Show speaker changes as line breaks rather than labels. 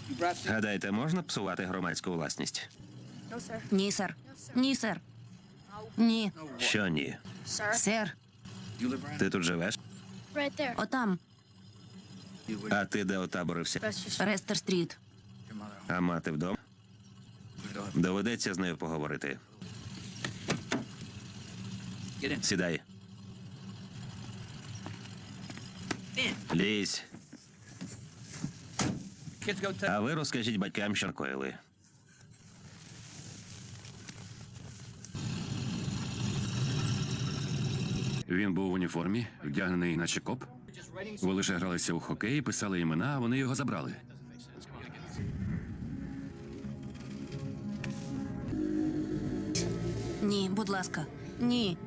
Гадаєте, можна псувати громадську власність?
Ні, сер. Ні, сер. Ні.
Що ні?
Сер.
Ти тут живеш?
Отам.
А ти де отаборився?
Рестер-стріт.
А мати вдома? Доведеться з нею поговорити. Сідай. Лізь. А ви розкажіть батькам, що накоїли.
Він був в уніформі, вдягнений наче коп. Ви лише гралися у хокей, писали імена, а вони його забрали.
Ні, будь ласка. Ні.